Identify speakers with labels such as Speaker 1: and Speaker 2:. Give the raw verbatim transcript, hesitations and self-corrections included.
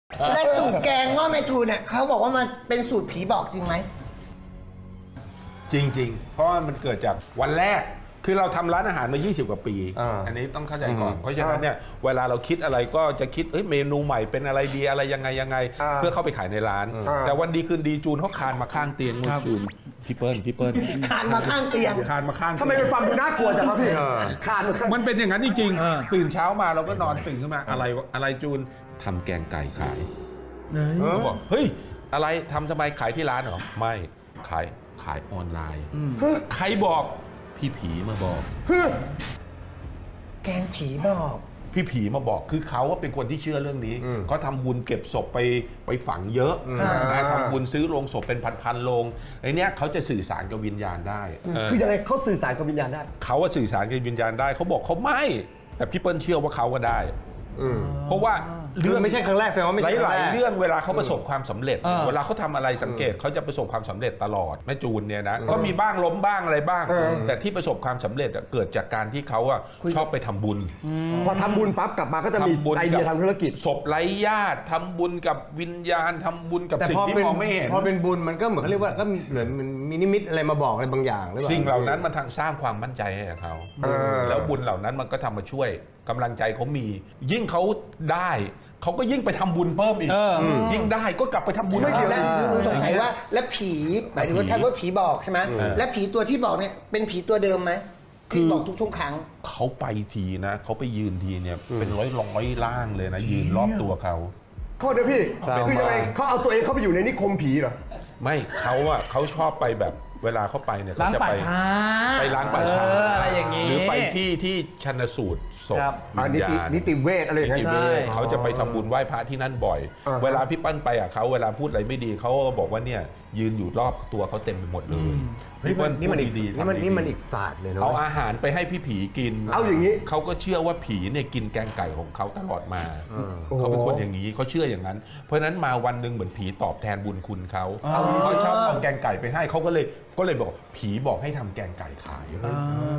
Speaker 1: และสูตรแกงหม้อแม่ทูเนี่ยเขาบอกว่ามันเป็นสูตรผีบอกจริงไหม
Speaker 2: จริงๆ เพราะว่ามันเกิดจากวันแรกคือเราทำร้านอาหารมา ยี่สิบ กว่าปี
Speaker 3: อ่า
Speaker 2: อันนี้ต้องเข้าใจก่อนเพราะฉะนั้นเนี่ยเวลาเราคิดอะไรก็จะคิดเอ้ยเมนูใหม่เป็นอะไรดีอะไรยังไงยังไง เพื่อเข้าไปขายในร้าน แต่วันดีคืนดีจูนเขาคานมาข้างเตียงนู่นจูนพี่เปิ้ลพี่เปิ้ล
Speaker 1: คานมาข้างเตียง
Speaker 2: คานมาข้าง
Speaker 3: ทำไมเป็นฟังดูน่ากลัวจังครับพี่ขาด
Speaker 2: มันเป็นอย่างนั้นจริงๆตื่นเช้ามาเราก็นอนตื่นขึ้นมาอะไรอะไรจูนทำแกงไก่ขายเขาบอกเฮ้ยอะไรทำทำไมขายที่ร้านเหรอไม่ขายขายออนไลน์ใครบอกพี่ผีมาบอก
Speaker 1: แกงผีบอก
Speaker 2: พี่ผีมาบอกคือเขาว่าเป็นคนที่เชื่อเรื่องนี้เขาทำบุญเก็บศพไปไปฝังเยอะนะทำบุญซื้อโลงศพเป็นพันๆโลงไอ้เนี้ยเขาจะสื่อสารกับวิญญาณได้
Speaker 3: คือยังไงเขาสื่อสารกับวิญญาณได้
Speaker 2: เขาว่าสื่อสารกับวิญญาณได้เขาบอกเขาไม่แต่พี่เปิ้ลเชื่อว่าเขาก็ได้เพราะว่า
Speaker 3: เรื่องไม่ใช่ครั้งแรกแสดงว่าไม่ใช่ครั้ง
Speaker 2: ห
Speaker 3: แร
Speaker 2: ลาย
Speaker 3: ก
Speaker 2: ๆเรื่องเวลาเขาประสบความสำเร็จ เวลาเขาทำอะไรสังเกตเขาจะประสบความสำเร็จตลอดแม่จูนเนี่ยนะก็มีบ้างล้มบ้างอะไรบ้าง แต่ที่ประสบความสำเร็จเกิดจากการที่เขาอะชอบไปทำบุญ
Speaker 3: พอทำบุญปั๊บกลับมาก็จะมี
Speaker 2: ทำบุญ
Speaker 3: ไอเดียทางธุรกิจ
Speaker 2: ศพไร้ญาติทำบุญกับวิญญาณทำบุญกับ
Speaker 4: แต่
Speaker 2: สิ่ง
Speaker 4: พอ
Speaker 2: ที่
Speaker 4: เป็น
Speaker 2: มองไม่เห็น
Speaker 4: พอเป็นบุญมันก็เหมือนเขาเรียกว่าก็เหมือนมันมีนิมิตอะไรมาบอกอะไรบางอย่างหรือเปล่า
Speaker 2: สิ่งเหล่านั้นมันทางสร้างความมั่นใจให้กับเขาแล้วบุญเหล่านั้นมันก็ทำมาช่วยกำลังใจเขามี ยิ่งเขาได้เขาก็ยิ่งไปทำบุญเพิ่มอีกยิ่งได้ก็กลับไปทำบุญ
Speaker 1: ไม่เกี่ยว
Speaker 2: แล้
Speaker 1: แล้วหนูสงสัยว่าและผีหมายถึงว่าถ้าว่าผีบอกใช่ไหมและผีตัวที่บอกเนี่ยเป็นผีตัวเดิมไหมที่บอกทุกๆครั้ง
Speaker 2: เขาไปทีนะเขาไปยืนทีเนี่ยเป็นร้อยร้อยๆร่างเลยนะยืนรอบตัวเขา
Speaker 3: โทษนะพี่คือยังไงเขาเอาตัวเองเข้าไปอยู่ในนิคมผีเหรอ
Speaker 2: ไม่เขาอะเขาชอบไปแบบเวลาเขาไปเนี่ยเขา
Speaker 5: ล้าง
Speaker 2: จะ
Speaker 5: ป่า
Speaker 2: ไป
Speaker 5: ช้า
Speaker 2: ไปล้างป่าช้า
Speaker 5: เอออะไรอย่างนี้
Speaker 2: หรือไปที่ที่ชันสูตรศพ
Speaker 5: ครับ
Speaker 3: อ่า
Speaker 2: วิ
Speaker 3: นิ
Speaker 2: ญ
Speaker 3: ติ
Speaker 2: ญาณ
Speaker 3: นิติเวชอะไรอย่าง
Speaker 2: นิ
Speaker 3: เงี้
Speaker 2: ติ
Speaker 3: ย
Speaker 2: เวช
Speaker 5: ใช่
Speaker 2: เขาจะไปทำบุญไหว้พระที่นั่นบ่อย
Speaker 3: อ่าฮะ
Speaker 2: เวลาพี่ปั้นไปอ่ะเขาเวลาพูดอะไรไม่ดีเขาก็บอกว่าเนี่ยยืนอยู่รอบตัวเขาเต็มไปหมดเลย
Speaker 4: นี่มันนี่มันอีก
Speaker 2: พูดดีๆ
Speaker 4: นี่มัน
Speaker 2: ทำดีๆ
Speaker 4: นี่มันอีกศาสตร์เลยเนาะ
Speaker 2: เอาอาหารไปให้พี่ผีกิน
Speaker 3: เอาอย่างนี้
Speaker 2: เขาก็เชื่อว่าผีเนี่ยกินแกงไก่ของเขาตลอดมาเขาเป็นคนอย่างนี้เขาเชื่ออย่างนั้น เพราะฉะนั้นมาวันหนึ่งเหมือนผีตอบแทนบุญคุณเขาเขาชอบเอาแกงไก่ไปให้เขาก็เลยก็เลยบอกผีบอกให้ทำแกงไก่ขาย